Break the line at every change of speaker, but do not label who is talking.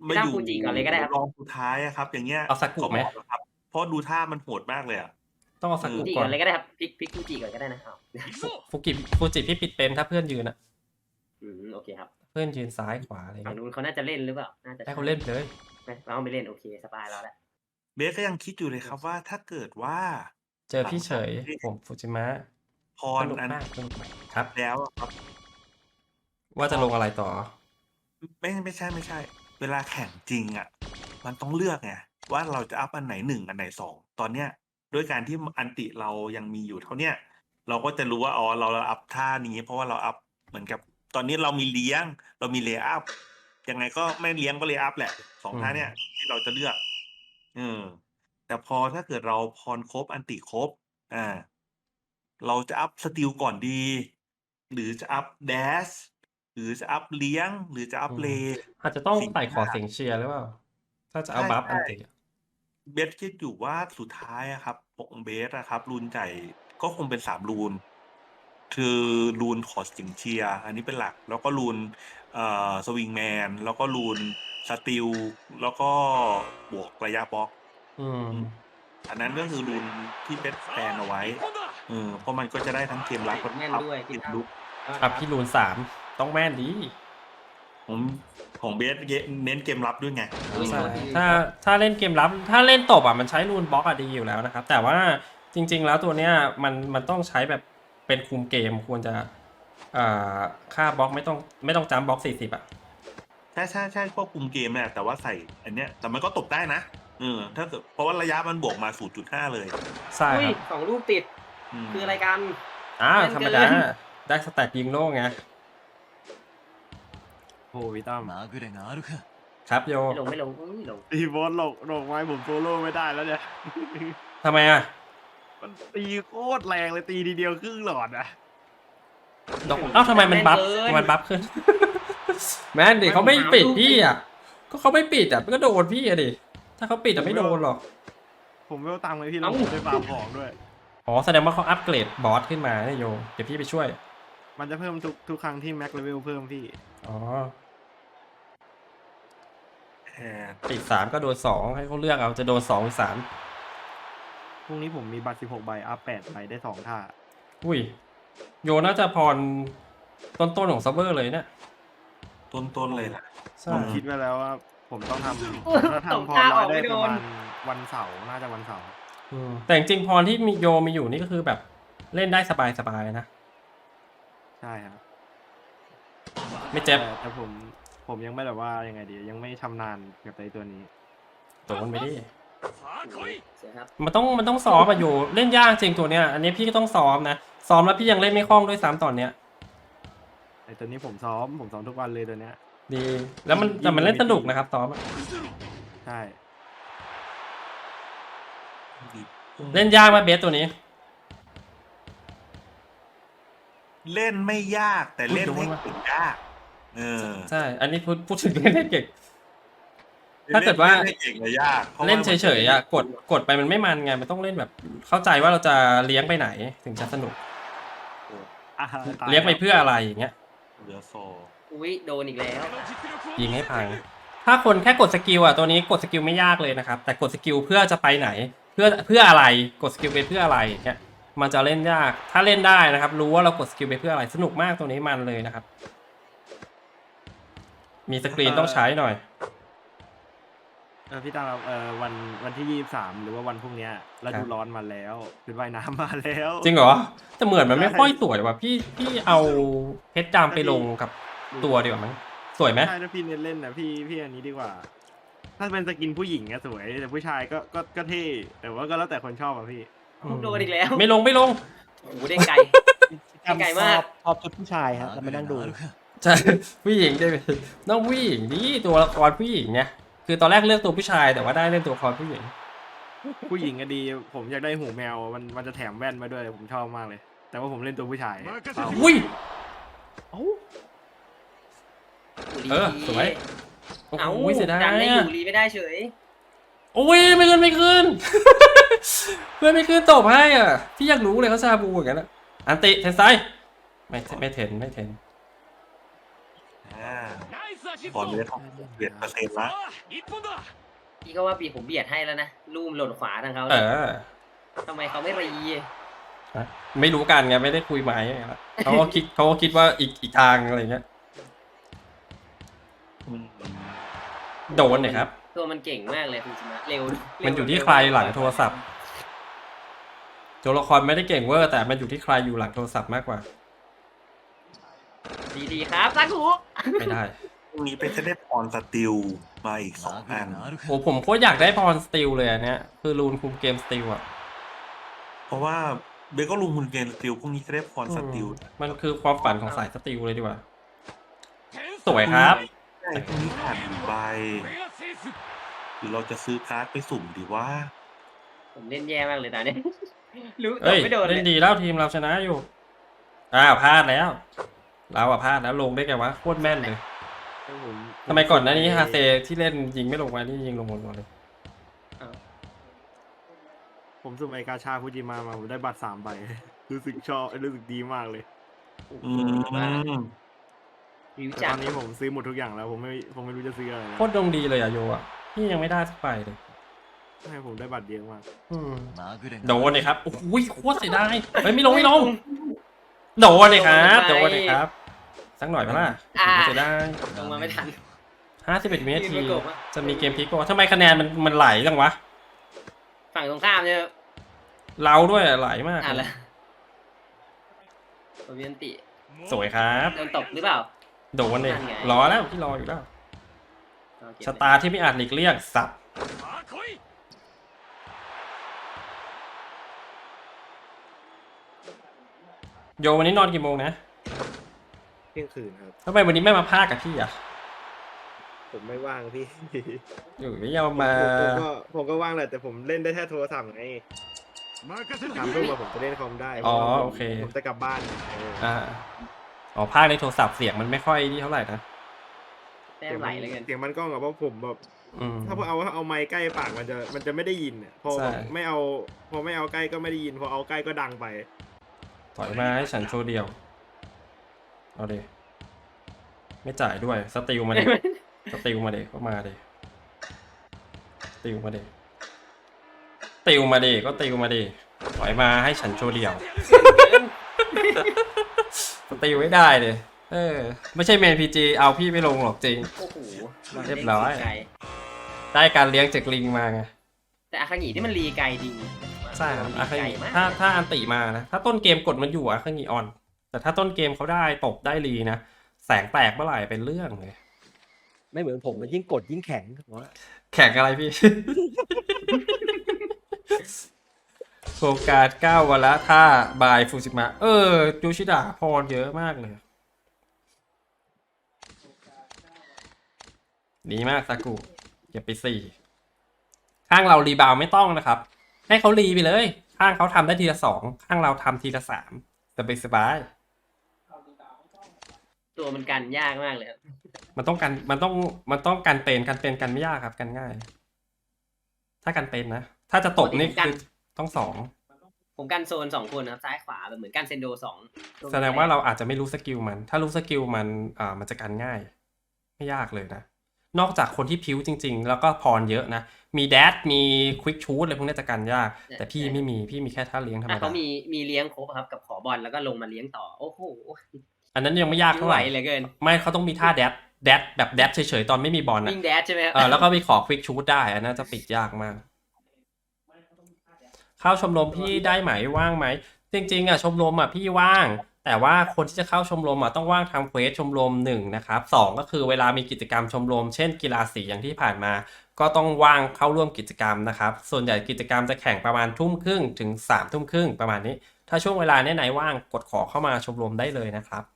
มาอยู่
ฟูจิก่อนเลยก็ได้ครับ
รองสุดท้ายอะครับ อย่างเงี้ย
เอาซากุ
ก็เห
ไหม
มาะนะครับเพราะดูท่ามันโหดมากเลยอะ
ต้องเอา
เออ
ซากุ
ฟูจิ
ก่อน
ก่อนเลยก็ได้ครับพลิกฟูจิก่อนก็ได้นะอ้าว
ฟูจิพี่ปิดเป็นถ้าเพื่อนยืนอะ
โอเคครับ
เพื่อนยืนซ้ายขวาอะไร
ฝั่ง
เงี้ย
นู้นเขาน่าจะเล่นหรือเปล่าน่าจะ
ให้
ใช่
เขาเล่นไปเลย
ไม่เราไม่เล่นโอเคสบายเราแล้ว
เบสก็ยังคิดอยู่เลยครับว่าถ้าเกิดว่า
เจอ
หลัง
พี่เฉย
จากที่
ผมฟูจิมะ
พ
ส
รอัน
นุกมากสนุกมากครับ
แล้วอะครับ
ว่าจะลงอะไรต่อ
ไม่ใช่เวลาแข่งจริงอะมันต้องเลือกไงว่าเราจะอัพอันไหน1อันไหน2ตอนเนี้ยด้วยการที่อันติเรายังมีอยู่เท่าเนี้ยเราก็จะรู้ว่าอ๋อเราอัพท่านี้เพราะว่าเราอัพเหมือนกับตอนนี้เรามีเลี้ยงเรามีเลย์อัพยังไงก็ไม่เลี้ยงก็เลย์อัพแหละ2ท่าเนี้ยที่เราจะเลือกเออแต่พอถ้าเกิดเราพรครบอันติครบเราจะอัพสติลก่อนดีหรือจะอัพแดชหรือจะอัพเลี้ยงหรือจะอัพเลย์
อาจจะต้อง
สิ่ง
ใส่ขอ
ที่
เสียงเชียร์หรือเปล่า ถ้าจะเอา
ใช่
บัฟอั
ใช่
นติอะ
เบสคิดอยู่ว่าสุดท้ายอะครับของเบสอะครับรูนใหญ่ก็คงเป็น3รูนคือรูนขอเสียงเชียร์อันนี้เป็นหลัก แล้วก็รูนสวิงแมนแล้วก็รูนสติลแล้วก็บวกระยะบล็อก
อืม
อันนั้นก็คือรูนที่เบสแปลนเอาไว้เพราะมันก็จะได้ทั้งเกมรับกับ
แม่นด้วย
เก
พี่ตั้ม
มลุก
ครับพี่รูน3ต้องแม่นดี
ผมของเบสเน้นเกมรับด้วยไง
ใช่ถ้าเล่นเกมรับ ถ้าเล่นตบอ่ะมันใช้รูนบล็อกอะดีอยู่แล้วนะครับ แต่ว่าจริงๆแล้วตัวเนี้ยมันต้องใช้แบบเป็นคุมเกมควรจะอ่าค่าบล็อกไม่ต้องจัมบล็อก40อ่ะ
ใช่ควบคุมเกมเนี่ยแต่ว่าใส่อันเนี้ยแต่มันก็ตบได้นะถ้าเกิดเพราะว่าระยะมันบวกมา 0.5 เลย
ใช่ครับ
2 ลูกติดคืออะไรกัน
ธรรมดาได้สแต็กยิงโล่ไง
โอ้วิตั้ม
ครับโย
ไม่ลง
ตีบอสหลกไม้ผมโซโล่ไม่ได้แล้วเนี่ย
ทำไมอ่ะ
มันตีโคตรแรงเลยตีทีเดียวครึ่งหลอดอะ
ทำไมมันบัฟขึ้น แม่นดิเขาไม่ปิดพี่อ่ะก็เขาไม่ปิดอ่ะมันก็โดนพี่อ่ะดิถ้าเขาปิดอ่ะไม่โดนหรอก
ผมไม่เอาตังค์เลยพี่แล้วผมไปฟาร์มของด้วย
อ๋อแสดงว่าเขาอัปเกรดบอสขึ้นมาเนี่ยโยเดี๋ยวพี่ไปช่วย
มันจะเพิ่มทุกครั้งที่แม็กเลเวลเพิ่มพี่
อ๋อ
แอด
ติด3ก็โดน2ให้เขาเลือกเอาจะโดน2หรือ3
พรุ่งนี้ผมมีบัตร16 ใบอัพ8 ใบได้2ท่า
อุ้ยโยน่าจะพรต้นของซับเวอร์เลยเนี่ย
ต้นเลยล่ะ
ใช่
ผมคิดไว้แล้วว่าผมต้องทำถ้าทำพอร้อยได้ประมาณวันเสาร์น่าจะวันเสาร์
แต่จริงๆพรที่มีโยมีอยู่นี่ก็คือแบบเล่นได้สบายๆนะ
ใช่ครับ
ไม่เจ็บ
แต่ผมยังไม่แบบว่ายังไงดียังไม่ชำนาญกับไอ้ตัวนี้
โดนไปดิ
ครับ
มันต้องซ้อมอะอยู่เล่นยากจริงตัวเนี้ยอันนี้พี่ก็ต้องซ้อมนะซ้อมแล้วพี่ยังเล่นไม่คล่องด้วยซ้ำตอนเนี้ย
ไอ้ตัวนี้ผมซ้อมทุกวันเลยตัวเนี้ย
ดีแล้วแต่มันเล่นสนุกนะครับซ้อมอะ
ใช่
เล่นยากไหมเบสตัวนี้
เล่นไม่ยากแต่เล่นให้เก่งยาก
ใช่อันนี้พูดถึงเล่นให้เก่งถ้าเกิดว่า
เล่นให้เก่งเลยยาก
เล่นเฉยๆอ่ะกดไปมันไม่มันไงมันต้องเล่นแบบเข้าใจว่าเราจะเลี้ยงไปไหนถึงจะสนุกเลี้ยงไปเพื่ออะไรอย่างเงี้ย
เหลือโซ
โดนอีกแล้ว
ยิงให้พังถ้าคนแค่กดสกิลอ่ะตัวนี้กดสกิลไม่ยากเลยนะครับแต่กดสกิลเพื่อจะไปไหนเพื่ออะไรกดสกิลไปเพื่ออะไรอย่างเงี้ยมันจะเล่นยากถ้าเล่นได้นะครับรู้ว่าเรากดสกิลไปเพื่ออะไรสนุกมากตัวนี้มันเลยนะครับมีสกรีนต้องใช้หน่อย
พี่ตาวันที่23หรือว่าวันพรุ่งนี้ฤดูร้อนมาแล้วชุดว่ายน้ำมาแล้ว
จริงเหรอแต่เหมือนมันไม่ค่อยสวยว่ะพี่เอาเพชรจามไปลงกับตัวดีกว่ามั้งสวยไหม
ใช่ถ้าพี่เน้นเล่นนะพี่อันนี้ดีกว่า ถ้าเป็นสกินผู้หญิงอะสวยแต่ผู้ชายก็เท่แต่ว่าก็แล้วแต่คนชอบอะพี่
โดนอีกแล้ว
ไม่ลง
โอ้โหได้ไกลไกลมาก
ชอบชุดผู้ชายฮะแล้วมานั่งดู
ใช่ผู้หญิงได้ต้องผู้หญิงนี่ตัวละครผู้หญิงเนี่ยคือตอนแรกเลือกตัวผู้ชายแต่ว่าได้เล่นตัวละครผู้หญิง
ผู้หญิงก็ดีผมอยากได้หูแมวมันจะแถมแว่นมาด้วยผมชอบมากเลย แต่ว่าผมเล่นตัวผู้ชาย
อุ้ย
สวย
โอ้โหเสียดาย
ดันได้อยู่รีไม่ได้เฉย
โอ้ยไม่ขึ้น เพื่อนไม่ขึ้นตบให้อ่ะพี่อยากรู้เลยเขาซาบูอย่างนั้นอันติเทนไซไม่เทน
ก่อนเลยของเบียดเปอร์เซ็นต์ละ
พี่ก็ว่าปีผมเบียดให้แล้วนะลูมหล่นขวาทางเขา
เอ
เลย
อ
ทำไมเขาไม่รี
ไม่รู้กันไงไม่ได้คุยไม้เขาก็คิดว่าอีกทางอะไรเงี้ย
อืม
โดนเนี่ยครับ
ตัวมันเก่งมากเลยคุณชนะเร็ว
มันอยู่ที่ใครหลังโทรศัพท์ตัวละครไม่ได้เก่งเวอร์แต่มันอยู่ที่ใครอยู่หลังโทรศัพท์มากกว่า
ดีๆครับซักหู
ไม่ได้
พรุ่งนี้เป็นจะได้พรสติลมาอีก2 อัน
โอ้ผมโคตรอยากได้พรสติลเลยอันเนี้ยคือรูนคุมเกมสติลอ่ะ
เพราะว่าเบก็ลุงคุณเกณฑ์สติลพรุ่งนี้จะได้พรสติล
มันคือความฝันของสายสติลเลยดีกว่า สวยครับ
ใช่พรุ่งนี้ผ่านใบหรือเราจะซื้อการ์ดไปสุ่มดีว่า
ผมเล่นแย่มากเลยตอนนี้ รู้แต่
เอ้ย
ไม่โดนเล
เล่น
ย
ดีแล้วทีมเราชนะอยู่พลาดแล้ว เราพลาดแล้วลงได้ไงวะโคตรแม่นเลยทำไมก่อนหน้านี้ฮาเซที่เล่นยิงไม่ลงมานี่ยิงลงหมดเลย
ผมสุ่มไอกาชาฟูจิมาผมได้บัตร3 ใบ รู้สึกชอบรู้สึกดีมากเลย
อืม
วิว
แต่
จั
ต
ก
อนนี้ผมซื้อหมดทุกอย่างแล้วผมไม่รู้จะซื้ออะไรแล้ว
โคตรดวงดีเลยอะโยอะพี่ยังไม่ได้สักใบเลย
ให้ผมได้บัตรเยอะมาก
โดนเลยครับโอ้โหโคตรเสียดายเฮ้ยไม่ลงโดนเลยครับโดนเลยครับสักหน่อยพะล่ะเสียดาย
ลงมาไม่ทัน
51 วินาที
ยืนประกบอะ
จะมีเกมพลิกป่ะทำไมคะแนนมันไหลจังวะ
ฝั่งตรงข้ามเนี่ย
เราด้วยอะไหลมาก
อ่านละโอเวียนติ
สวยครับ
โดนตบหรือเปล่า
โดนเลย
นั่นไง
รอแล้วพี่รออยู่แล้ว
เอาเก็บ
ชะตาที่ไม่อาจหลีกเลี่ยงสับโยวันนี้นอนกี่โมงนะ
เที่ยงคืนครับ
ทำไมวันนี้ไม่มาพากกับพี่อ่ะ
ผมไม่ว่างพี่
อยู่ไม่ยอมมา
ผมก็ว่างแหละแต่ผมเล่นได้แค่โทรศัพท์ไง3 ทุ่มผมจะเล่นคอมได้
อ๋อ
พราะว่าผม
โอเค
ผมจะกลับบ้าน
อ่าอ๋อพากในโทรศัพท์เสียงมันไม่ค่อยนี่เท่าไหร่นะ
แต้มไหลเลยกัน
เสียงมันกล้องอะเพราะผมแบบ
อืม
ถ้าเอาไมค์ใกล้ปากมันจะไม่ได้ยินอะพอ
ใช่
ไม่เอาใกล้ก็ไม่ได้ยินพอเอาใกล้ก็ดังไป
ถอยมาให้ฉันโชว์เดียว เอาดิไม่จ่ายด้วยสติลมาดิ สติลมาดิก็มาดิติลมาดิติลมาดิก็ติลมาดิถอยมาให้ฉันโชว์เดียว สติลไม่ได้เลยไม่ใช่เมนพีจีเอาพี่ไม่ลงหรอกจริง
โอ้โห
เรียบร้อย
ไกล
ได้การเลี้ยงจากลิงมาไง
แต่อาคางิที่มันรีไกลจริง
ใช่ครับอาคา
ไกล
งิ
มาก
ถ้าอันติมานะถ้าต้นเกมกดมันอยู่อาคางิออน แต่ถ้าต้นเกมเขาได้ตบได้รีนะแสงแตกเมื่อไหร่เป็นเรื่องเลย
ไม่เหมือนผมมันยิ่งกดยิ่งแข็ง
แข่งอะไรพี่ โฟกัส9 วันละท่าบายฟูจิมะยูชิดะพรเยอะมากเลยดีมากซากุเก็บไป4ข้างเรารีบาวไม่ต้องนะครับ ให้เขารีไปเลย ข้างเขาทำได้ทีละ2ข้างเราทำทีละ3สบาย
ตัวมันกันยากมากเลยครับ
มันต้องกันเป็นกันไม่ยากครับกันง่าย ถ้ากันเป็นนะถ้าจะตบนี่คือต้อง2
ผมกันโซน2 คนนะครับซ้ายขวาแบบเหมือนกันเซนโด2
แสดงว่าเราอาจจะไม่รู้สกิลมัน ถ้ารู้สกิลมันมันจะกันง่าย ไม่ยากเลยนะ นอกจากคนที่พิ้วจริงๆ แล้วก็พรเยอะนะ มีแดดมีควิกชูดอะไรพวกนี้จะกันยาก แต่พี่ไม่มีพี่มีแค่ท่าเลี้ยงธรรม
ถ้า
ดา
เขามีเลี้ยงครบครับกับขอบอลแล้วก็ลงมาเลี้ยงต่อโอ้โห
อันนั้นยังไม่ยากเท่าไหร่
ไม่ไหวเหลือเกิน
ไม่เขาต้องมีท่าแดดแบบแดดเฉยๆตอนไม่มีบอลนะ
วิ่งแดดใช่ไหมครับ
แล้วก็ไปขอควิกชูดได้อันนั้นจะปิดยากมาก เข้าชมรมพี่ได้ไหมว่างไหมจริงๆชมรมพี่ว่าง แต่ว่าคนที่จะเข้าชมรมต้องว่างทำเควสชมรม1นะครับ2ก็คือเวลามีกิจกรรมชมรมเช่นกีฬาสีอย่างที่ผ่านมา ก็ต้องว่างเข้าร่วมกิจกรรมนะครับส่วนใหญ่กิจกรรมจะแข่งประมาณ 20:30 ถึง 3:30 ประมาณนี้ ถ้าช่วงเวลาไหนว่างกดขอเข้ามาชมรมได้เลยนะครับ